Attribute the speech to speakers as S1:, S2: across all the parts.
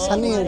S1: ਸਨੀ ਹੈ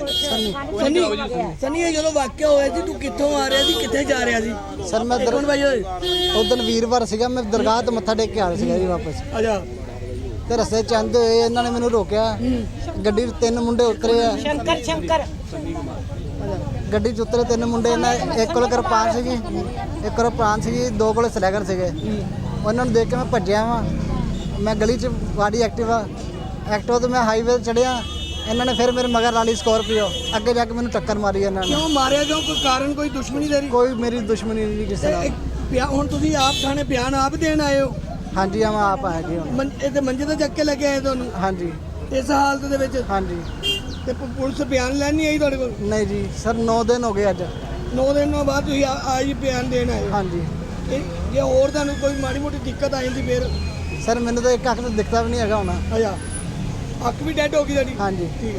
S2: ਸਨੀ ਜਦੋਂ ਵਾਕਿਆ ਹੋਇਆ ਸੀ ਤੂੰ ਕਿੱਥੋਂ ਆ ਰਿਹਾ ਸੀ ਕਿੱਥੇ ਜਾ ਰਿਹਾ ਸੀ?
S1: ਸਰ ਮੈਂ
S2: ਕੌਣ ਭਾਈ ਓਏ?
S1: ਉਦੋਂ ਵੀਰਵਾਰ ਸੀਗਾ, ਮੈਂ ਦਰਗਾਹ ਤੋਂ ਮੱਥਾ ਟੇਕ ਕੇ ਆ ਰਿਹਾ ਸੀਗਾ ਜੀ ਵਾਪਸ।
S2: ਅੱਛਾ
S1: ਤੇ ਰਸਤੇ ਚ ਆਉਂਦੇ ਹੋਏ ਇਹਨਾਂ ਨੇ ਮੈਨੂੰ ਰੋਕਿਆ। ਗੱਡੀ 'ਚ 3 ਮੁੰਡੇ ਉਤਰੇ ਆ। ਸ਼ੰਕਰ ਗੱਡੀ 'ਚ ਉਤਰੇ 3 ਮੁੰਡੇ। ਇਹਨਾਂ ਇੱਕ ਕੋਲ ਕਿਰਪਾਨ ਸੀਗੀ, ਇੱਕ ਕੋਲ ਪ੍ਰਾਨ ਸੀਗੀ, 2 ਕੋਲ ਸਲੈਗਰ ਸੀਗੇ। ਉਹਨਾਂ ਨੂੰ ਦੇਖ ਕੇ ਮੈਂ ਭੱਜਿਆ ਵਾਂ। ਮੈਂ ਗਲੀ 'ਚ ਵਾੜੀ ਐਕਟਿਵਾ ਤੋਂ ਮੈਂ ਹਾਈਵੇ 'ਤੇ ਚੜਿਆ। ਇਹਨਾਂ ਨੇ ਫਿਰ ਮੇਰੇ ਮਗਰ ਲਾ ਲਈ ਸਕੋਰਪੀਓ। ਅੱਗੇ ਜਾ ਕੇ ਮੈਨੂੰ ਟੱਕਰ ਮਾਰੀ ਇਹਨਾਂ ਨੇ।
S2: ਕਿਉਂ ਮਾਰਿਆ? ਕਿਉਂ? ਕੋਈ ਕਾਰਨ, ਕੋਈ ਦੁਸ਼ਮਣੀ ਤੇਰੀ?
S1: ਕੋਈ ਮੇਰੀ ਦੁਸ਼ਮਣੀ ਨਹੀਂ ਕਿਸੇ ਨਾਲ।
S2: ਹੁਣ ਤੁਸੀਂ ਆਪ ਥਾਣੇ ਬਿਆਨ ਆਪ ਦੇਣ ਆਏ ਹੋ?
S1: ਹਾਂਜੀ ਮੈਂ ਆਪ ਆਇਆ ਜੀ ਹੁਣ।
S2: ਇਹ ਮੰਜੇ ਤੇ ਚੱਕ ਕੇ ਲੈ ਕੇ ਆਏ ਤੁਹਾਨੂੰ?
S1: ਹਾਂਜੀ
S2: ਇਸ ਹਾਲਤ ਦੇ ਵਿੱਚ?
S1: ਹਾਂਜੀ।
S2: ਤੇ ਪੁਲਿਸ ਬਿਆਨ ਲੈਣ ਨਹੀਂ ਆਈ ਤੁਹਾਡੇ ਕੋਲ?
S1: ਨਹੀਂ ਜੀ ਸਰ, 9 ਦਿਨ ਹੋ ਗਏ ਅੱਜ।
S2: 9 ਦਿਨਾਂ ਬਾਅਦ ਤੁਸੀਂ ਆਜ ਬਿਆਨ ਦੇਣ ਆਏ ਹੋ?
S1: ਹਾਂਜੀ।
S2: ਜੇ ਹੋਰ ਤੁਹਾਨੂੰ ਕੋਈ ਮਾੜੀ ਮੋਟੀ ਦਿੱਕਤ ਆ ਜਾਂਦੀ ਫਿਰ?
S1: ਸਰ ਮੈਨੂੰ ਤਾਂ ਇੱਕ ਅੱਖ ਤੋਂ ਦਿਖਦਾ ਵੀ ਨਹੀਂ ਹੈਗਾ ਹੁਣ।
S2: ਅੱਛਾ, ਅੱਖ ਵੀ ਡੈਡ ਹੋ ਗਈ ਤੁਹਾਡੀ?
S1: ਹਾਂਜੀ
S2: ਠੀਕ ਹੈ।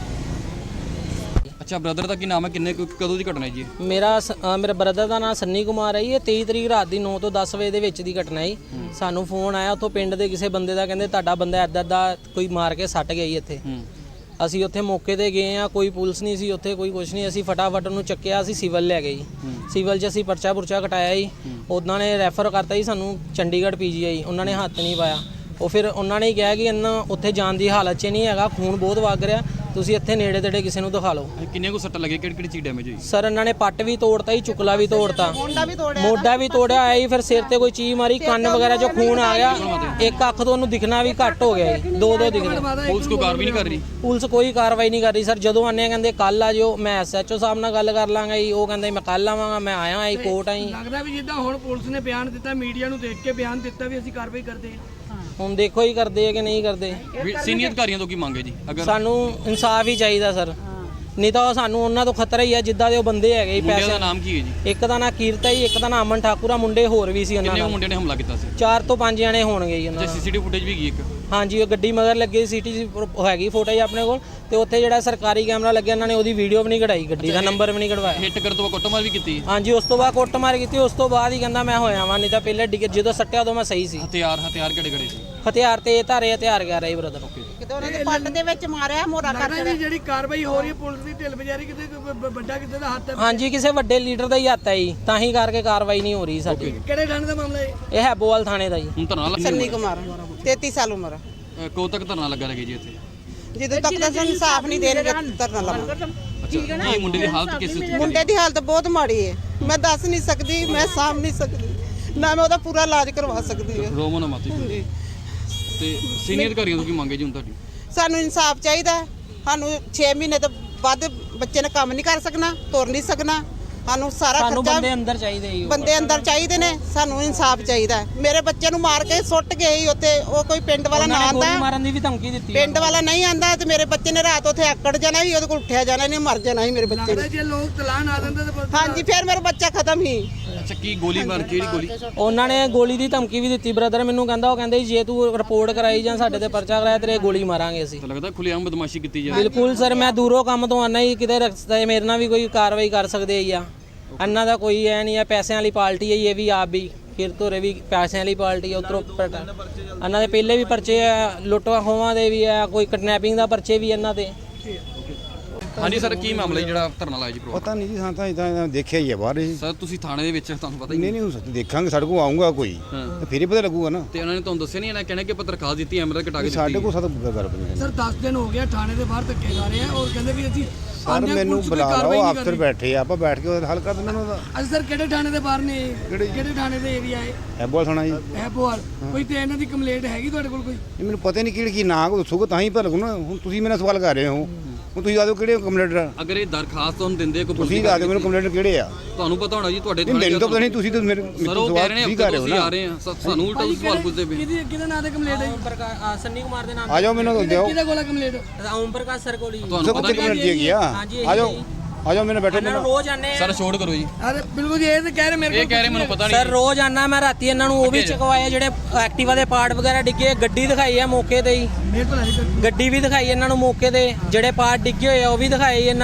S3: ਅੱਛਾ, ਬ੍ਰਦਰ ਦਾ ਕੀ ਨਾਮ ਹੈ? ਕਦੋਂ ਦੀ ਘਟਨਾ ਹੈ ਜੀ?
S4: ਮੇਰੇ ਬ੍ਰਦਰ ਦਾ ਨਾਮ ਸੰਨੀ ਕੁਮਾਰ ਹੈ ਜੀ। ਇਹ 23 ਤਰੀਕ ਰਾਤ ਦੀ 9 ਤੋਂ 10 ਵਜੇ ਦੇ ਵਿੱਚ ਦੀ ਘਟਨਾ ਹੈ। ਸਾਨੂੰ ਫੋਨ ਆਇਆ ਉੱਥੋਂ ਪਿੰਡ ਦੇ ਕਿਸੇ ਬੰਦੇ ਦਾ, ਕਹਿੰਦੇ ਤੁਹਾਡਾ ਬੰਦਾ ਇੱਦਾਂ ਦਾ ਕੋਈ ਮਾਰ ਕੇ ਸੱਟ ਗਿਆ ਜੀ ਇੱਥੇ। ਅਸੀਂ ਉੱਥੇ ਮੌਕੇ ਤੇ ਗਏ ਆ, ਕੋਈ ਪੁਲਿਸ ਨਹੀਂ ਸੀ ਉੱਥੇ, ਕੋਈ ਕੁਝ ਨਹੀਂ। ਅਸੀਂ ਫਟਾਫਟ ਉਹਨੂੰ ਚੱਕਿਆ, ਅਸੀਂ ਸਿਵਲ ਲੈ ਗਏ ਜੀ। ਸਿਵਲ 'ਚ ਅਸੀਂ ਪਰਚਾ ਕਟਾਇਆ ਜੀ। ਉਹਨਾਂ ਨੇ ਰੈਫਰ ਕਰਤਾ ਜੀ ਸਾਨੂੰ ਚੰਡੀਗੜ੍ਹ PGI। ਉਹਨਾਂ ਨੇ ਹੱਥ ਨਹੀਂ ਪਾਇਆ। ਉਹ ਫਿਰ ਉਹਨਾਂ ਨੇ ਕਿਹਾ ਕਿ ਇਹਨਾਂ ਉੱਥੇ ਜਾਣ ਦੀ ਹਾਲਤ 'ਚ ਨਹੀਂ ਹੈਗਾ, ਖੂਨ ਬਹੁਤ ਵਗ ਰਿਹਾ, ਤੁਸੀਂ ਇੱਥੇ ਨੇੜੇ ਤੇੜੇ ਕਿਸੇ ਨੂੰ ਦਿਖਾ ਲਓ।
S3: ਕਿੰਨੇ ਕੋ ਸੱਟ ਲੱਗੇ? ਕਿਹੜੀ ਚੀਜ਼ ਡੈਮੇਜ ਹੋਈ?
S4: ਸਰ ਇਹਨਾਂ ਨੇ ਪੱਟ ਵੀ ਤੋੜਤਾ ਜੀ, ਚੁਕਲਾ ਵੀ ਤੋੜਤਾ, ਮੋਢਾ ਵੀ ਤੋੜਿਆ ਹੋਇਆ ਜੀ। ਫਿਰ ਸਿਰ ਤੇ ਕੋਈ ਚੀਜ਼ ਮਾਰੀ, ਕੰਨ ਵਗੈਰਾ 'ਚੋਂ ਖੂਨ ਆ ਗਿਆ। ਇੱਕ ਅੱਖ ਤੋਂ ਉਹਨੂੰ ਦਿਖਣਾ ਵੀ ਘੱਟ ਹੋ ਗਿਆ ਜੀ, ਦੋ ਦਿਖਣਾ।
S3: ਪੁਲਿਸ ਕੋਈ ਕਾਰਵਾਈ ਨਹੀਂ ਕਰ ਰਹੀ?
S4: ਪੁਲਿਸ ਕੋਈ ਕਾਰਵਾਈ ਨਹੀਂ ਕਰ ਰਹੀ ਸਰ। ਜਦੋਂ ਆਨੇ ਕਹਿੰਦੇ ਕੱਲ ਆ ਜਿਓ, ਮੈਂ SHO ਸਾਹਿਬ ਨਾਲ ਗੱਲ ਕਰ ਲਾਂਗਾ ਜੀ। ਉਹ ਕਹਿੰਦੇ ਮੈਂ ਕੱਲ ਆਵਾਂਗਾ। ਮੈਂ ਆਇਆ ਆਈ ਕੋਰਟ ਆਈ।
S2: ਲੱਗਦਾ ਵੀ ਜਿੱਦਾਂ ਹੁਣ ਪੁਲਿਸ ਨੇ ਬਿਆਨ ਦਿੱਤਾ, ਮੀਡੀਆ ਨੂੰ ਦੇਖ ਕੇ ਬਿਆਨ ਦਿੱਤਾ ਵੀ ਅਸੀਂ ਕਾਰਵਾਈ ਕਰਦੇ ਹਾਂ।
S4: ਹੁਣ ਦੇਖੋ ਹੀ ਕਰਦੇ ਆ ਕਿ ਨਹੀਂ ਕਰਦੇ।
S3: ਸੀਨੀਅਰ ਅਧਿਕਾਰੀਆਂ ਤੋਂ ਕੀ ਮੰਗੇ ਜੀ?
S4: ਸਾਨੂੰ ਇਨਸਾਫ ਹੀ ਚਾਹੀਦਾ ਸਰ, ਨਹੀਂ ਤਾਂ ਸਾਨੂੰ ਉਹਨਾਂ ਤੋਂ ਖਤਰਾ ਹੀ ਆ ਜਿੱਦਾਂ ਦੇ ਉਹ ਬੰਦੇ ਹੈਗੇ ਜੀ।
S3: ਪੈਸੇ ਦਾ ਨਾਮ ਕੀ ਹੈ ਜੀ?
S4: ਇੱਕ ਦਾ ਨਾਂ ਕੀਰਤ ਹੈ ਜੀ, ਇੱਕ ਦਾ ਨਾਮ ਅਮਨ ਠਾਕੁਰ ਆ। ਮੁੰਡੇ ਹੋਰ ਵੀ ਸੀ ਉਹਨਾਂ
S3: ਕਿੰਨੇ
S4: ਨਾਲ।
S3: ਮੁੰਡਿਆਂ ਨੇ ਹਮਲਾ ਕੀਤਾ ਸੀ?
S4: 4 ਤੋਂ 5 ਜਣੇ ਹੋਣਗੇ ਜੀ ਉਹਨਾਂ
S3: ਤੇ CCTV ਫੁਟੇਜ ਵੀ ਗਈ ਇੱਕ?
S4: ਹਾਂਜੀ, ਉਹ ਗੱਡੀ ਮਗਰ ਲੱਗੀ ਸੀਟੀ ਹੈਗੀ ਫੁਟੇਜ ਆਪਣੇ ਕੋਲ। ਤੇ ਉੱਥੇ ਜਿਹੜਾ ਸਰਕਾਰੀ ਕੈਮਰਾ ਲੱਗਿਆ, ਇਹਨਾਂ ਨੇ ਉਹਦੀ ਵੀਡੀਓ ਵੀ ਨਹੀਂ ਕਢਾਈ, ਗੱਡੀ ਦਾ ਨੰਬਰ ਵੀ ਨਹੀਂ ਕਢਵਾਇਆ।
S3: ਹਿੱਟ ਕਰ ਤੋਂ ਕੁੱਟਮਾਰ ਵੀ ਕੀਤੀ?
S4: ਹਾਂਜੀ, ਉਸ ਤੋਂ ਬਾਅਦ ਕੁੱਟਮਾਰ ਕੀਤੀ। ਉਸ ਤੋਂ ਬਾਅਦ ਹੀ ਕਹਿੰਦਾ ਮੈਂ ਹੋਇਆ ਵਾਂ, ਨਹੀਂ ਤਾਂ ਪਹਿਲੇ ਜਦੋਂ ਸੱਟਿਆ ਉਦੋਂ ਮੈਂ ਸਹੀ ਸੀ।
S3: ਹਥਿਆਰ ਕਿਹੜੇ ਸੀ?
S4: ਹਥਿਆਰ ਤੇ ਧਾਰੇ ਹਥਿਆਰ ਗਿਆ ਰਹੀ ਬ੍ਰਦਰ।
S5: ਕਿਤੇ ਉਹਨਾਂ ਦੇ ਪੱਟ ਦੇ ਵਿੱਚ ਮਾਰਿਆ, ਮੋਰਾ ਕਰ
S2: ਲੱਗਦਾ ਵੀ ਜਿਹੜੀ ਕਾਰਵਾਈ ਹੋ ਰਹੀ ਹੈ ਪੁਲਿਸ ਦੀ ਢਿੱਲ ਬਜਾਰੀ, ਕਿਤੇ ਵੱਡਾ ਕਿਸੇ ਦਾ ਹੱਥ ਹੈ?
S4: ਹਾਂਜੀ, ਕਿਸੇ ਵੱਡੇ ਲੀਡਰ ਦਾ ਹੀ ਹੱਥ ਹੈ ਜੀ, ਤਾਂ ਹੀ ਕਰਕੇ ਕਾਰਵਾਈ ਨਹੀਂ ਹੋ ਰਹੀ ਸਾਡੀ।
S2: ਕਿਹੜੇ ਥਾਣੇ ਦਾ ਮਾਮਲਾ ਹੈ
S4: ਇਹ ਹੈਬੋਵਾਲ ਥਾਣੇ ਦਾ ਜੀ।
S3: ਹੁਣ ਧਰਨਾ
S5: ਸੰਨੀ ਕੁਮਾਰ 33 ਸਾਲ ਉਮਰ।
S3: ਕਦੋਂ ਤੱਕ ਧਰਨਾ ਲੱਗਾ ਰਹੇ ਜੀ ਇੱਥੇ?
S5: ਜਦੋਂ ਤੱਕ ਤਾਂ ਸਾਨੂੰ ਇਨਸਾਫ ਨਹੀਂ ਦੇਣਗੇ ਧਰਨਾ ਲਾਵਾਂਗੇ।
S3: ਅੱਛਾ, ਇਹ ਮੁੰਡੇ ਦੀ ਹਾਲਤ ਕਿਸ ਤਰ੍ਹਾਂ?
S5: ਮੁੰਡੇ ਦੀ ਹਾਲਤ ਬਹੁਤ ਮਾੜੀ ਹੈ, ਮੈਂ ਦੱਸ ਨਹੀਂ ਸਕਦੀ, ਮੈਂ ਸਾਂਭ ਨਹੀਂ ਸਕਦੀ, ਨਾ ਮੈਂ ਉਹਦਾ ਪੂਰਾ ਇਲਾਜ ਕਰਵਾ ਸਕਦੀ ਹਾਂ।
S3: ਰੋਮਨ ਮਾਤੀ ਤੇ ਸੀਨੀਅਰ ਅਧਿਕਾਰੀਆਂ ਤੋਂ ਕੀ ਮੰਗੇ ਜੀ ਹੁਣ ਤੁਹਾਡੀ?
S5: ਸਾਨੂੰ ਇਨਸਾਫ ਚਾਹੀਦਾ। ਸਾਨੂੰ 6 ਮਹੀਨੇ ਤੋਂ ਵੱਧ ਬੱਚੇ ਨੇ ਕੰਮ ਨਹੀਂ ਕਰ ਸਕਣਾ, ਤੁਰ ਨਹੀਂ ਸਕਣਾ। ਸਾਨੂੰ ਸਾਰਾ
S4: ਸਾਨੂੰ
S5: ਖਰਚਾ
S4: ਬੰਦੇ ਅੰਦਰ ਚਾਹੀਦੇ ਜੀ।
S5: ਬੰਦੇ ਅੰਦਰ ਚਾਹੀਦੇ ਨੇ। ਸਾਨੂੰ ਇਨਸਾਫ ਚਾਹੀਦਾ। ਮੇਰੇ ਬੱਚੇ ਨੂੰ ਮਾਰ ਕੇ ਸੁੱਟ ਗਏ ਸੀ ਉੱਥੇ। ਉਹ ਕੋਈ ਪਿੰਡ ਵਾਲਾ ਨਾ ਆਂਦਾ,
S4: ਗੋਲੀ ਮਾਰਨ ਦੀ ਵੀ ਧਮਕੀ ਦਿੱਤੀ।
S5: ਪਿੰਡ ਵਾਲਾ ਨਹੀਂ ਆਂਦਾ ਤੇ ਮੇਰੇ ਬੱਚੇ ਨੇ ਰਾਤ ਉੱਥੇ ਆਕੜ ਜਾਣਾ ਸੀ, ਉਹਦੇ ਕੋਲ ਉੱਠਿਆ ਜਾਣਾ ਨਹੀਂ, ਮਰ ਜਾਣਾ ਸੀ ਮੇਰੇ ਬੱਚੇ ਨੇ।
S2: ਜੇ ਲੋਕ ਤਲਾਨ ਆ ਦਿੰਦੇ ਤਾਂ
S5: ਹਾਂਜੀ, ਫਿਰ ਮੇਰਾ ਬੱਚਾ ਖਤਮ ਹੀ।
S3: ਅੱਛਾ, ਕੀ ਗੋਲੀ ਮਾਰ? ਕਿਹੜੀ ਗੋਲੀ?
S4: ਉਹਨਾਂ ਨੇ ਗੋਲੀ ਦੀ ਧਮਕੀ ਵੀ ਦਿੱਤੀ ਬ੍ਰਦਰ ਮੈਨੂੰ। ਕਹਿੰਦਾ ਉਹ ਕਹਿੰਦੇ ਜੇ ਤੂੰ ਰਿਪੋਰਟ ਕਰਾਈ ਜਾਂ ਸਾਡੇ ਤੇ ਪਰਚਾ ਕਰਾਇਆ ਤੇਰੇ ਗੋਲੀ ਮਾਰਾਂਗੇ ਅਸੀਂ।
S3: ਤਾਂ ਲੱਗਦਾ ਖੁੱਲ੍ਹੇਆਮ ਬਦਮਾਸ਼ੀ ਕੀਤੀ ਜਾ ਰਹੀ?
S4: ਬਿਲਕੁਲ ਸਰ, ਮੈਂ ਦੂਰੋਂ ਕੰਮ ਤੋਂ ਆਨਾ ਹੀ, ਕਿਤੇ ਰਸਤੇ ਮੇਰੇ ਨਾਲ ਵੀ ਕੋਈ ਕਾਰਵਾਈ ਕਰ ਸਕਦੇ ਆ। ਇਹਨਾਂ ਦਾ ਕੋਈ ਐ ਨਹੀਂ ਆ, ਪੈਸਿਆਂ ਵਾਲੀ ਪਾਰਟੀ ਹੈ ਇਹ ਵੀ, ਆਪ ਵੀ ਫਿਰ ਤੋਰੇ ਵੀ ਪੈਸਿਆਂ ਵਾਲੀ ਪਾਰਟੀ ਆ। ਉਧਰੋਂ ਇਹਨਾਂ ਦੇ ਪਹਿਲੇ ਵੀ ਪਰਚੇ ਆ, ਲੁੱਟਾਂ ਖੋਹਾਂ ਦੇ ਵੀ ਆ, ਕੋਈ ਕਿਡਨੈਪਿੰਗ ਦਾ ਪਰਚੇ ਵੀ ਇਹਨਾਂ ਤੇ।
S3: ਹਾਂਜੀ ਸਰ, ਕੀ ਮਾਮਲਾ ਜਿਹੜਾ ਧਰਨਾ ਲਾਇਆ ਜੀ?
S6: ਪਤਾ ਨਹੀਂ ਜੀ, ਹਾਂ ਤਾਂ ਇਦਾਂ ਦੇਖਿਆ ਹੀ ਹੈ ਬਾਹਰ ਹੀ।
S3: ਸਰ ਤੁਸੀਂ ਥਾਣੇ ਦੇ ਵਿੱਚ, ਤੁਹਾਨੂੰ ਪਤਾ ਹੀ
S6: ਨਹੀਂ ਹੋ ਸਕਦਾ, ਦੇਖਾਂਗੇ, ਸਾਡੇ ਕੋਲ ਆਊਗਾ ਕੋਈ ਤੇ ਫਿਰ ਹੀ ਪਤਾ ਲੱਗੂਗਾ ਨਾ।
S3: ਤੇ ਉਹਨਾਂ ਨੇ ਤੁਹਾਨੂੰ ਦੱਸਿਆ ਨਹੀਂ? ਇਹਨਾਂ ਕਹਿਣਾ ਕਿ ਆਪਾਂ ਦਰਖਾਸਤ ਦਿੱਤੀ, ਐਮਰਲ ਕਟਾ ਕੇ
S6: ਸਾਡੇ
S3: ਦਿੱਤੀ।
S6: ਕੋਲ ਸਾਡਾ ਗੱਲ ਬਣੀ
S2: ਸਰ 10 ਦਿਨ ਹੋ ਗਿਆ ਥਾਣੇ ਦੇ ਬਾਹਰ ਧੱਕੇ ਖਾ ਰਹੇ ਆ ਔਰ ਕਹਿੰਦੇ ਵੀ ਅਸੀਂ
S6: ਸਰ ਮੈਨੂੰ ਬੁਲਾ ਲਓ, ਅਫਸਰ ਬੈਠੇ ਆ, ਆਪਾਂ ਬੈਠ ਕੇ ਉਹਦਾ ਹੱਲ ਕਰ ਦਿੰਦੇ ਉਹਦਾ।
S2: ਅੱਜ ਸਰ ਕਿਹੜੇ ਥਾਣੇ ਦੇ ਬਾਹਰ ਨੇ? ਕਿਹੜੇ ਥਾਣੇ ਦੇ ਏਰੀਆ ਹੈ?
S6: ਐਬੋਲ ਥਾਣਾ ਜੀ।
S2: ਐਬੋਵਾਲ। ਕੋਈ ਤੇ ਇਹਨਾਂ ਦੀ ਕੰਪਲੇਂਟ ਹੈਗੀ ਤੁਹਾਡੇ ਕੋਲ ਕੋਈ?
S6: ਇਹ ਮੈਨੂੰ ਪਤਾ ਨਹੀਂ ਕਿਹੜੀ ਕੀ ਨਾਂ ਦੱਸੋਗੇ ਤਾਂ ਹੀ ਪਤਾ ਲੱਗੂ ਨਾ। ਹੁਣ ਤੁਸੀਂ ਮੇਰੇ ਨਾਲ ਸਵਾਲ ਕਰ ਰਹੇ ਹੋ, ਹੁਣ ਤੁਸੀਂ ਦੱਸੋ ਕਿਹੜੇ ਕੰਪਲੇਂਟਰ?
S3: ਅਗਰ ਇਹ ਦਰਖਾਸਤ ਤੁਹਾਨੂੰ ਦਿੰਦੇ ਕੋਈ
S6: ਤੁਸੀਂ ਦੱਸ ਦਿਓ ਮੈਨੂੰ ਕੰਪਲੇਂਟਰ ਕਿਹੜੇ ਆ।
S3: ਤੁਹਾਨੂੰ ਪਤਾ ਹੋਣਾ ਜੀ, ਤੁਹਾਡੇ
S6: ਮੈਨੂੰ ਤਾਂ ਪਤਾ ਨਹੀਂ, ਤੁਸੀਂ ਤਾਂ ਮੇਰੇ
S3: ਸਰ ਉਹ ਕਹਿ ਰਹੇ ਨੇ
S6: ਕਰ ਰਹੇ ਹੋ ਨਾ।
S3: ਆ ਰਹੇ ਆ, ਸਾਨੂੰ ਉਲਟਾ ਸਵਾਲ ਪੁੱਛਦੇ ਪਏ।
S2: ਕਿਹਦੇ ਨਾਂ ਤੇ ਕੰਪਲੇਂਟ ਹੈ?
S4: ਸੰਨੀ ਕੁਮਾਰ ਦੇ ਨਾਮ।
S6: ਆ ਜਾਓ, ਮੈਨੂੰ ਦਿਓ।
S2: ਕਿਹਦੇ ਕੋਲ ਕੰਪਲੇਂਟ?
S4: ਓਮ ਪ੍ਰਕਾਸ਼ ਸਰ ਕੋਲ ਹੀ।
S3: ਤੁਹਾਨੂੰ ਪਤਾ
S6: ਕੰਪਲੇਂਟ ਹੈਗੀ ਆ। ਆ ਜਾਓ, ਆ ਜਾਓ, ਮੈਨੂੰ ਬੈਠੋ।
S4: ਇਹਨਾਂ ਨੂੰ ਰੋਜ਼ ਆਨੇ
S3: ਸਰ ਛੋੜ ਕਰੋ ਜੀ।
S2: ਅਰੇ ਬਿਲਕੁਲ ਜੀ, ਇਹ ਤਾਂ ਕਹਿ ਰਹੇ ਮੇਰੇ ਕੋਲ।
S3: ਇਹ ਕਹਿ ਰਹੇ ਮੈਨੂੰ ਪਤਾ ਨਹੀਂ
S4: ਸਰ ਰੋਜ਼ ਆਨਾ ਮੈਂ ਰਾਤੀ, ਇਹਨਾਂ ਨੂੰ ਉਹ ਵੀ ਚਕਵਾਏ ਜਿਹੜੇ ਐਕਟਿਵਾ ਦੇ ਪਾਰਟ ਵਗੈਰਾ ਡਿੱਗੇ। ਗੱਡੀ ਦਿਖਾਈ ਆ ਮੌਕੇ ਤੇ ਹੀ,
S2: ਮੇਰੇ ਕੋਲ ਨਹੀਂ।
S4: ਗੱਡੀ ਵੀ ਦਿਖਾਈ ਇਹਨਾਂ ਨੂੰ ਮੌਕੇ ਤੇ, ਜਿਹੜੇ ਪਾਰਟ ਡਿੱਗੇ ਹੋਏ ਆ ਉਹ ਵੀ ਦਿਖਾਏ ਇਹਨਾਂ ਨੂੰ।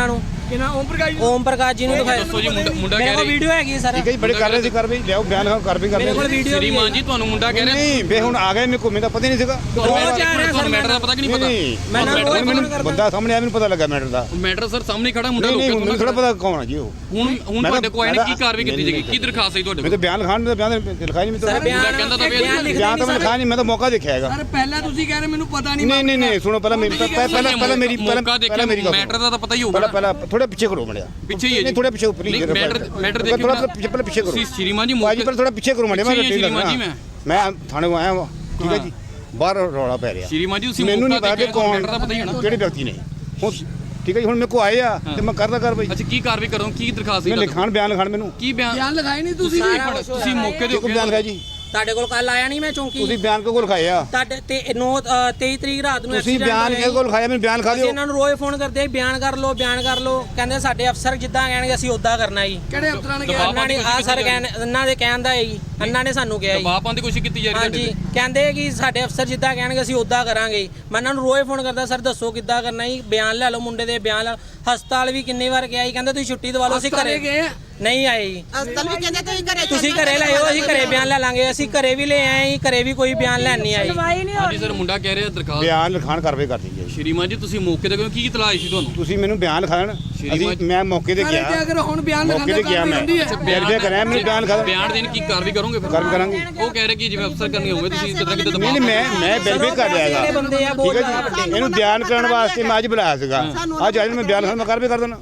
S2: ਕਿਹਨਾਂ ਓਮ ਪ੍ਰਕਾਸ਼ ਜੀ?
S4: ਓਮ ਪ੍ਰਕਾਸ਼ ਜੀ ਨੂੰ ਦਿਖਾਇਆ।
S3: ਦੱਸੋ ਜੀ ਮੁੰਡਾ
S4: ਮੇਰੇ
S3: ਕਹਿ
S4: ਕੋਲ
S3: ਰਿਹਾ
S4: ਵੀਡੀਓ ਹੈਗੀ ਸਰ।
S6: ਠੀਕ ਹੈ ਜੀ, ਬੜੇ ਕਰ ਰਹੇ ਸੀ ਕਾਰਵਾਈ, ਲਿਆਓ ਬਿਆਨ ਲਿਖਾਓ, ਕਾਰਵਾਈ
S4: ਮੇਰੇ ਕੋਲ
S6: ਕਰਦੇ।
S4: ਵੀਡੀਓ
S3: ਸ਼੍ਰੀਮਾਨ ਜੀ ਤੁਹਾਨੂੰ ਮੁੰਡਾ ਕਹਿ ਰਿਹਾ
S6: ਨਹੀਂ ਵੇ ਹੁਣ ਆ ਗਏ ਮੇਰੇ ਕੋਲ, ਮੈਨੂੰ ਤਾਂ ਪਤਾ ਹੀ ਨਹੀਂ ਸੀਗਾ।
S3: ਤੁਹਾਨੂੰ ਮੈਟਰ ਦਾ ਪਤਾ ਕਿ ਨਹੀਂ ਪਤਾ?
S4: ਮੈਂ ਨਾ
S6: ਹੁਣ ਮੈਨੂੰ ਬੰਦਾ ਸਾਹਮਣੇ ਆਇਆ, ਮੈਨੂੰ ਪਤਾ ਲੱਗਾ ਮੈਟਰ ਦਾ।
S3: ਮੈਟਰ ਸਰ ਸਾਹਮਣੇ ਖੜਾ ਮੁੰਡਾ
S6: ਨਹੀਂ
S3: ਲੋਕਾਂ
S6: ਹੁਣ ਮੈਨੂੰ ਥੋੜਾ ਪਤਾ ਕੌਣ ਆ ਜੀ ਉਹ।
S3: ਹੁਣ ਤੁਹਾਡੇ ਕੋਲ ਆਏ ਨੇ, ਕੀ ਕਾਰਵਾਈ ਕੀਤੀ ਜਾਏਗੀ, ਕੀ ਦਰਖਾਸਤ ਹੈ ਤੁਹਾਡੇ
S6: ਮੈਂ
S3: ਕੋਲ?
S6: ਤਾਂ ਬਿਆਨ ਲਿਖਾਣ ਦਾ ਬਿਆਨ ਲਿਖਾਈ ਨਹੀਂ
S4: ਸਰ
S6: ਮੈਂ
S3: ਮੁੰਡਾ ਕਹਿੰਦਾ ਤਾਂ
S4: ਬਿਆਨ ਲਿਖਦੇ
S6: ਬਿਆਨ ਤਾਂ ਮੈਂ ਲਿਖਾਇਆ ਨਹੀਂ, ਮੈਂ ਤਾਂ ਮੌਕਾ ਦੇਖਿਆ ਹੈਗਾ।
S2: ਸਰ ਪਹਿਲਾਂ ਤੁਸੀਂ ਕਹਿ ਰਹੇ ਮੈਨੂੰ ਪਤਾ ਨਹੀਂ।
S6: ਨਹੀਂ ਸੁਣੋ ਪਹਿਲਾਂ ਮੇਰੀ ਪਹਿਲਾਂ ਮੇਰੀ
S3: ਮੈਟਰ ਦਾ ਤਾਂ ਪਤਾ ਹੀ ਹੋਊਗਾ।
S6: ਪਹਿਲਾਂ ਥੋੜਾ ਪਿੱਛੇ ਕਰੋ ਮੜਿਆ,
S3: ਪਿੱਛੇ ਹੀ ਹੈ
S6: ਨਹੀਂ
S3: ਜੀ
S6: ਥੋੜਾ ਪਿੱਛੇ ਉੱਪਰ ਹੀ
S3: ਮੈਟਰ ਦੇਖੋ
S6: ਥੋੜਾ ਪਿੱਛੇ ਕਰੋ।
S3: ਤੁਸੀਂ ਸ਼੍ਰੀਮਾਨ ਜੀ
S6: ਬਾਜੀ ਪਰ ਥੋੜਾ ਪਿੱਛੇ ਕਰੋ ਮੜਿਆ, ਮੈਂ
S3: ਪਿੱਛੇ ਹੀ ਹਾਂ
S6: ਲੱਗਣਾ।
S3: ਸ਼੍ਰੀਮਾਨ ਜੀ
S6: ਮੈਂ ਥਾਣੇ ਆਇਆ ਵਾ, ਠੀਕ ਹੈ ਜੀ, ਬਾਹਰ ਰੌਲਾ ਪੈ ਰਿਹਾ।
S3: ਸ਼੍ਰੀਮਾਨ ਜੀ ਤੁਸੀਂ
S6: ਮੈਨੂੰ ਨਹੀਂ ਪਤਾ ਕਿ ਕੌਣ
S3: ਮੈਟਰ ਦਾ ਪਤਾ ਹੀ ਹੈ ਨਾ।
S6: ਕਿਹੜੇ ਵਿਅਕਤੀ ਨੇ ਹੁਣ, ਠੀਕ ਹੈ ਜੀ, ਹੁਣ ਮੇਰੇ ਕੋ ਆਏ ਆ ਤੇ ਮੈਂ ਕਰਦਾ ਕਾਰਵਾਈ।
S3: ਅੱਛਾ ਕੀ ਕਾਰਵਾਈ ਕਰੋ, ਕੀ ਦਰਖਾਸਤ
S6: ਮੈਂ
S3: ਹੈ
S6: ਲਿਖਾਣ ਬਿਆਨ ਲਿਖਾਣ ਮੈਨੂੰ
S3: ਕੀ ਬਿਆਨ
S2: ਲਿਖਾਏ ਨਹੀਂ ਤੁਸੀਂ ਵੀ?
S3: ਤੁਸੀਂ ਮੌਕੇ ਦੇ
S6: ਕੋਈ ਬਿਆਨ ਲਿਖਾਇਆ ਜੀ?
S4: ਤੁਹਾਡੇ ਕੋਲ ਕੱਲ ਆਇਆ ਨਹੀਂ ਮੈਂ ਚੌਂਕੀ?
S6: ਤੁਸੀਂ ਬਿਆਨ ਕਿਹਦੇ ਕੋਲ ਲਿਖਾਏ ਆ?
S4: ਤੁਹਾਡੇ ਤੇ 23 ਤਰੀਕ ਰਾਤ ਨੂੰ
S6: ਤੁਸੀਂ ਬਿਆਨ ਕਿਹਦੇ ਕੋਲ ਲਿਖਾਇਆ? ਮੈਨੂੰ ਬਿਆਨ ਲਿਖਾ
S4: ਅਸੀਂ
S6: ਦਿਓ।
S4: ਇਹਨਾਂ ਨੂੰ ਰੋਜ਼ ਫੋਨ ਕਰਦੇ ਬਿਆਨ ਕਰ ਲਓ ਬਿਆਨ ਕਰ ਲਓ, ਕਹਿੰਦੇ ਸਾਡੇ ਅਫਸਰ ਜਿੱਦਾਂ ਕਹਿਣਗੇ ਅਸੀਂ ਉਦਾਂ ਕਰਨਾ ਜੀ।
S2: ਕਿਹੜੇ ਅਫਸਰਾਂ ਨੇ ਕਿਹਾ?
S4: ਇਹਨਾਂ ਨੇ ਆ ਸਰ ਇਹਨਾਂ ਦੇ ਕਹਿਣ ਦਾ ਹੈ ਜੀ, ਇਹਨਾਂ ਨੇ ਸਾਨੂੰ ਕਿਹਾ ਜੀ।
S3: ਦਬਾਅ ਪਾਉਣ ਦੀ ਕੋਸ਼ਿਸ਼ ਕੀਤੀ ਜਾ ਰਹੀ ਹੈ
S4: ਹਾਂਜੀ ਕਹਿੰਦੇ ਕਿ ਸਾਡੇ ਅਫਸਰ ਜਿੱਦਾਂ ਕਹਿਣਗੇ ਅਸੀਂ ਉਦਾਂ ਕਰਾਂਗੇ। ਮੈਂ ਇਹਨਾਂ ਨੂੰ ਰੋਜ਼ ਫੋਨ ਕਰਦਾ, ਸਰ ਦੱਸੋ ਕਿੱਦਾਂ ਕਰਨਾ ਜੀ, ਬਿਆਨ ਲੈ ਲਓ ਮੁੰਡੇ ਦੇ ਬਿਆਨ ਲੈ। ਹਸਪਤਾਲ ਵੀ ਕਿੰਨੀ ਵਾਰ ਗਿਆ ਜੀ, ਕਹਿੰਦੇ ਤੁਸੀਂ ਛੁੱਟੀ ਦਵਾ ਲਓ, ਅਸੀਂ ਘਰੇ
S2: ਗਏ ਆ?
S4: ਨਹੀਂ ਆਏ ਜੀ।
S5: ਹਸਪਤਾਲ ਵੀ ਕਹਿੰਦੇ
S4: ਤੁਸੀਂ ਘਰੇ ਲੈ ਆਓ, ਅਸੀਂ ਘਰੇ ਬਿਆਨ ਲੈ ਲਾਂਗੇ। ਅਸੀਂ ਘਰੇ ਵੀ ਲੈ ਆਏ ਜੀ, ਘਰੇ ਵੀ ਕੋਈ ਬਿਆਨ ਲੈਣ ਨਹੀਂ ਆਏ।
S3: ਹਾਂਜੀ ਸਰ ਮੁੰਡਾ ਕਹਿ ਰਿਹਾ ਦਰਖਾਸਤ।
S6: ਬਿਆਨ ਲਿਖਾਣ ਕਾਰਵਾਈ ਕਰ ਦਈਏ।
S3: ਸ਼੍ਰੀਮਾਨ ਜੀ ਤੁਸੀਂ ਮੌਕੇ ਤੇ ਕੀ ਇਤਲਾਹ ਆਈ ਸੀ ਤੁਹਾਨੂੰ?
S6: ਤੁਸੀਂ ਮੈਨੂੰ ਬਿਆਨ ਲਿਖਾਣ, ਅਸੀਂ ਮੈਂ ਮੌਕੇ ਤੇ
S2: ਸਾਰੇ
S6: ਗਿਆ,
S2: ਅਗਰ ਹੁਣ ਬਿਆਨ
S6: ਮੌਕੇ ਤੇ ਗਿਆ ਮੈਂ ਵੈਰੀਫਾਈ ਕਰਿਆ, ਮੈਨੂੰ ਬਿਆਨ ਲਿਖਾ
S3: ਬਿਆਨ ਦੇਣ ਕੀ ਕਾਰਵਾਈ ਕਰੋਗੇ ਫਿਰ?
S6: ਕਾਰਵਾਈ ਕਰਾਂਗੇ।
S3: ਉਹ ਕਹਿ ਰਹੇ ਕਿ ਜਿਵੇਂ ਅਫਸਰ ਕਰਨੀ ਹੋਵੇ ਤੁਸੀਂ ਕਿਤੇ ਕਿਤੇ
S6: ਨਹੀਂ ਮੈਂ ਵੈਰੀਫਾਈ ਕਰ ਰਿਹਾ ਹੈਗਾ,
S4: ਬੰਦੇ ਆ
S6: ਠੀਕ ਹੈ ਜੀ। ਇਹਨੂੰ ਬਿਆਨ ਕਰਨ ਵਾਸਤੇ ਮੈਂ ਅੱਜ ਬੁਲਾਇਆ ਸੀਗਾ, ਅੱਜ ਮੈਂ ਬਿਆਨ ਲਿਖਾਣ ਮੈਂ ਕਾਰਵਾਈ ਕਰ ਦੇਣਾ।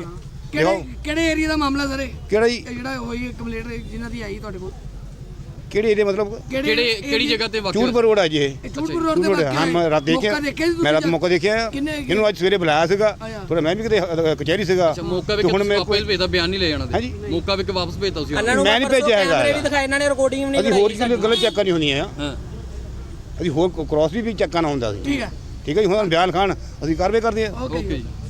S2: ਕਿਹੜੇ ਏਰੀਆ ਦਾ ਮਾਮਲਾ ਸਰ?
S6: ਕਿਹੜਾ ਜੀ?
S2: ਇਹ ਜਿਹੜਾ ਹੋਈ ਕੰਪਲੇਂਟ ਜਿਨ੍ਹਾਂ ਦੀ ਆਈ ਤੁਹਾਡੇ ਕੋਲ,
S6: ਕਿਹੜੇ ਏਰੀਆ ਮਤਲਬ?
S3: ਕਿਹੜੀ ਜਗ੍ਹਾ ਤੇ ਵਾਕਿਆ?
S6: ਚੂੜਪੁਰ ਰੋਡ ਆ ਜੀ ਇਹ।
S2: ਚੂੜਪੁਰ ਰੋਡ ਤੇ
S6: ਹਾਂ ਮੈਂ ਰਾਤ ਦੇਖਿਆ, ਮੈਂ ਰਾਤ ਮੌਕਾ ਦੇਖਿਆ। ਇਹਨੂੰ ਅੱਜ ਸਵੇਰੇ ਬੁਲਾਇਆ ਸੀਗਾ, ਥੋੜਾ ਮੈਂ ਵੀ ਕਿਤੇ ਕਚਹਿਰੀ ਸੀਗਾ।
S3: ਅੱਛਾ ਮੌਕਾ ਵੇ
S6: ਹੁਣ ਮੈਂ
S3: ਵਾਪਸ ਭੇਜਦਾ, ਬਿਆਨ ਨਹੀਂ ਲੈ ਜਾਣਾ ਤੇ ਮੌਕਾ ਵੇ ਕੇ ਵਾਪਸ ਭੇਜਦਾ ਤੁਸੀਂ?
S4: ਇਹਨਾਂ ਨੂੰ
S6: ਮੈਂ ਨਹੀਂ ਭੇਜਿਆ ਹੈਗਾ।
S4: ਕੈਮਰੇ ਵੀ ਦਿਖਾਏ ਇਹਨਾਂ ਨੇ, ਰਿਕਾਰਡਿੰਗ ਵੀ ਨਹੀਂ
S6: ਅਸੀਂ ਹੋਰ ਕਿਸੇ ਗਲਤ ਚੈੱਕਾਂ ਨਹੀਂ ਹੁੰਦੀਆਂ ਆ,
S3: ਹਾਂ
S6: ਅਸੀਂ ਹੋਰ ਕ੍ਰਾਸ ਵੀ ਚੈੱਕਾਂ ਨਾ ਹੁੰਦਾ ਸੀ।
S2: ਠੀਕ ਹੈ
S6: ਠੀਕ ਹੈ ਜੀ, ਹੁਣ ਬਿਆਨ ਖਾਣ ਅਸੀਂ ਕਾਰਵਾਈ ਕਰਦੇ ਆ।
S2: ਓਕੇ
S3: ਓਕੇ ਜੀ।